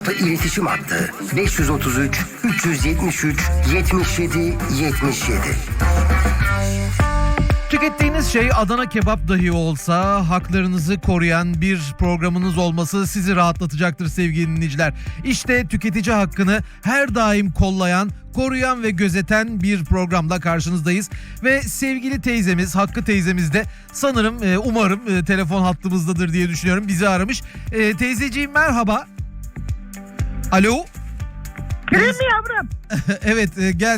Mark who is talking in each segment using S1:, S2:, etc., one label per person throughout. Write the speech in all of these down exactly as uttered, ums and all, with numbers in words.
S1: İletişim hattı beş yüz otuz üç üç yüz yetmiş üç yetmiş yedi yetmiş yedi.
S2: Tükettiğiniz şey Adana kebap dahi olsa haklarınızı koruyan bir programınız olması sizi rahatlatacaktır sevgili dinleyiciler. İşte tüketici hakkını her daim kollayan, koruyan ve gözeten bir programla karşınızdayız. Ve sevgili teyzemiz, Hakkı teyzemiz de sanırım, umarım telefon hattımızdadır diye düşünüyorum, bizi aramış. E, teyzeciğim merhaba. Alo.
S3: Gireyim mi yavrum?
S2: Evet, gel.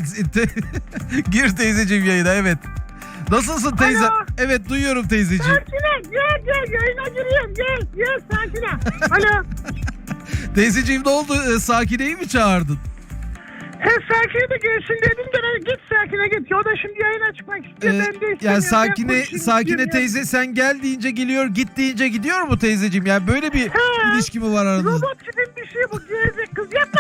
S2: Gir teyzeciğim yayına, evet. Nasılsın teyze?
S3: Alo.
S2: Evet, duyuyorum teyzeciğim.
S3: Sakine gel gel yayına giriyorum gel gel Sakine. Alo.
S2: Teyzeciğim ne oldu? Ee, Sakine'yi mi çağırdın?
S3: He Sakine de gelsin dedim de ben git Sakine git. O da şimdi yayına çıkmak istiyor.
S2: Ee,
S3: ben de istemiyorum.
S2: yani
S3: Ben
S2: Sakine
S3: konuşayım
S2: Sakine
S3: istiyorum
S2: teyze sen gel deyince geliyor, git deyince gidiyor mu teyzeciğim? Yani böyle bir
S3: He.
S2: ilişki mi var
S3: ya.
S2: aranızda?
S3: Robot gibi bir şey bu gerizek kız yapma.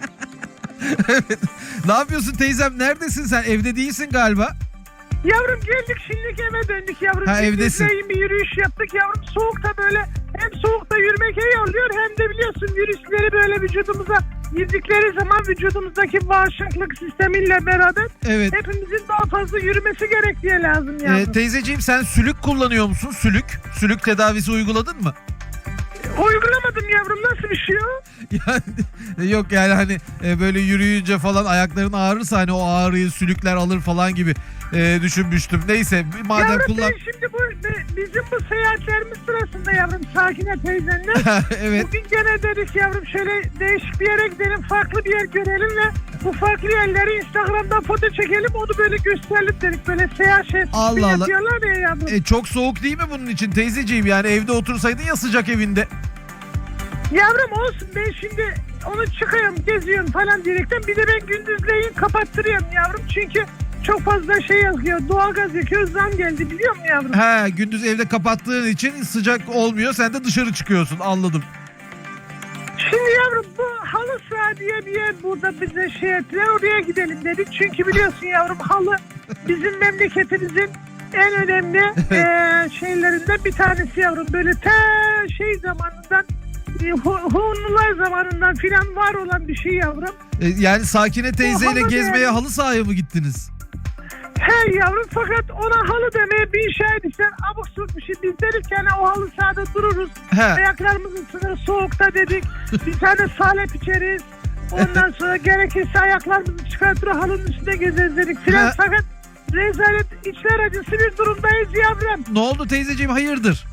S2: Evet. Ne yapıyorsun teyzem? Neredesin sen? Evde değilsin galiba.
S3: Yavrum geldik şimdilik eve döndük yavrum.
S2: Ha,
S3: Biz
S2: evdesin.
S3: bizle bir yürüyüş yaptık yavrum. Soğukta böyle hem soğukta yürümek iyi oluyor hem de biliyorsun virüsleri böyle vücudumuza girdikleri zaman vücudumuzdaki bağışıklık sistemiyle beraber
S2: Evet.
S3: hepimizin daha fazla yürümesi gerek diye lazım yavrum.
S2: Ee, teyzeciğim sen sülük kullanıyor musun? Sülük. Sülük tedavisi uyguladın mı?
S3: Uygulamadım yavrum, nasıl bir şey o?
S2: Yani yok yani hani e, böyle yürüyünce falan ayakların ağrırsa hani o ağrıyı sülükler alır falan gibi e, düşünmüştüm. Neyse madem
S3: Yavrum
S2: kullan...
S3: ben şimdi bu bizim bu seyahatlerimiz sırasında yavrum Sakine teyzenle
S2: Evet.
S3: bugün gene dedik yavrum şöyle değişik bir yere gidelim, farklı bir yer görelim ve bu farklı yerleri Instagram'dan foto çekelim, onu böyle gösterelim dedik, böyle seyahat şey
S2: Allah Allah.
S3: yapıyorlar ya yavrum.
S2: E, çok soğuk değil mi bunun için teyzeciğim? Yani evde otursaydın ya sıcak evinde.
S3: Yavrum olsun, ben şimdi onu çıkıyorum geziyorum falan diyerekten bir de ben gündüzleyin kapattırıyorum yavrum çünkü çok fazla şey yakıyor, doğalgaz yakıyor, zam geldi biliyor musun yavrum?
S2: He, gündüz evde kapattığın için sıcak olmuyor, sen de dışarı çıkıyorsun, anladım.
S3: Şimdi yavrum bu halı saha diye bir yer burada bize şey ettiler, oraya gidelim dedik çünkü biliyorsun yavrum halı bizim memleketimizin en önemli eee, şeylerinden bir tanesi yavrum, böyle ta şey zamanından e, Hu- Hunlular zamanından filan var olan bir şey yavrum.
S2: E, yani Sakine teyzeyle
S3: halı
S2: gezmeye
S3: yani.
S2: halı sahaya mı gittiniz?
S3: He yavrum, fakat ona halı demeye bir şey edilsen abuk subuk bir şey, biz dedik yani o halı sahada dururuz.
S2: He.
S3: Ayaklarımızı ısınır soğukta dedik. Bir tane salep içeriz. Ondan sonra gerekirse ayaklarımızı çıkartır halının üstünde gezeriz dedik filan.
S2: He.
S3: Fakat rezalet, içler acısı bir durumdayız yavrum.
S2: Ne oldu teyzeciğim, hayırdır?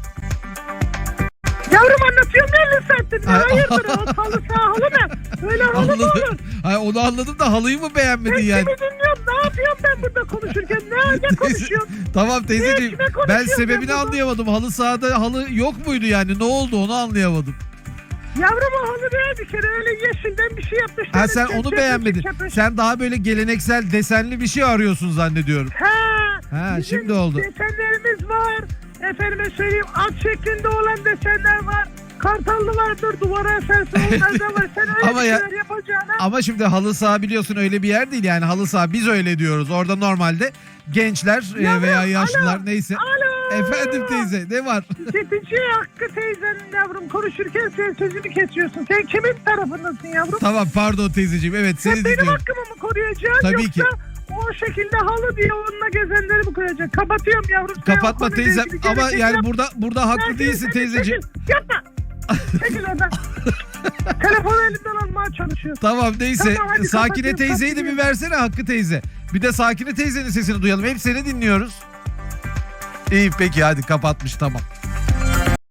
S3: Yavrum anlatıyorum elli saattir. Ne
S2: Ay,
S3: hayırdır o halı saha halı ne? Böyle halı mı olur?
S2: Anladım. Hayır, onu anladım da halıyı mı
S3: Ben
S2: beğenmedin yani?
S3: kimi dinliyorum? Ne yapıyorum ben burada konuşurken? Ne, ne konuşuyorum?
S2: Tamam teyzeciğim,
S3: Ne, kime
S2: ben
S3: konuşuyorum ben
S2: sebebini
S3: burada?
S2: anlayamadım. Halı sahada halı yok muydu yani? Ne oldu onu anlayamadım.
S3: Yavrum o halı ne bir kere öyle yeşilden bir şey yapmışlar.
S2: Ha sen
S3: Çöp,
S2: onu
S3: çöp,
S2: beğenmedin.
S3: çöp, çöp.
S2: Sen daha böyle geleneksel desenli bir şey arıyorsun zannediyorum.
S3: Ha,
S2: Ha,
S3: bizim
S2: şimdi oldu.
S3: desenlerimiz var. Efendime söyleyeyim at şeklinde olan desenler var. Kartallı vardır, duvara eserse onlar da var. Sen öyle
S2: Ama
S3: bir
S2: ya-
S3: şeyler yapacağına.
S2: Ama şimdi halı saha biliyorsun öyle bir yer değil yani, halı saha biz öyle diyoruz. Orada normalde gençler e,
S3: Yavrum,
S2: veya yaşlılar
S3: alo,
S2: neyse.
S3: Alo.
S2: Efendim teyze ne var?
S3: Tüketici Hakkı teyzenin yavrum konuşurken sen sözümü kesiyorsun. Sen kimin tarafındasın yavrum?
S2: Tamam pardon teyzeciğim, evet
S3: Sen
S2: seni
S3: benim
S2: dinliyorum.
S3: hakkımı mı koruyacaksın
S2: Tabii
S3: yoksa
S2: ki.
S3: o şekilde halı diye onunla gezenleri mi koruyacaksın? Kapatıyorum yavrum. Sen o
S2: Kapatma
S3: konuyla
S2: teyzem
S3: ilgili
S2: ama
S3: gerekeni
S2: yani
S3: yap.
S2: burada burada haklı
S3: Sen-
S2: değilsin
S3: sen-
S2: teyzeciğim.
S3: Çekil, yapma. Çekil oradan. Telefonu elimden almaya çalışıyor.
S2: Tamam neyse,
S3: Tamam, hadi
S2: Sakine
S3: kapatıyorum,
S2: teyzeyi de bir
S3: kapatıyorum.
S2: versene Hakkı teyze. Bir de Sakine teyzenin sesini duyalım, hep seni dinliyoruz. İyi peki hadi, kapatmış, tamam.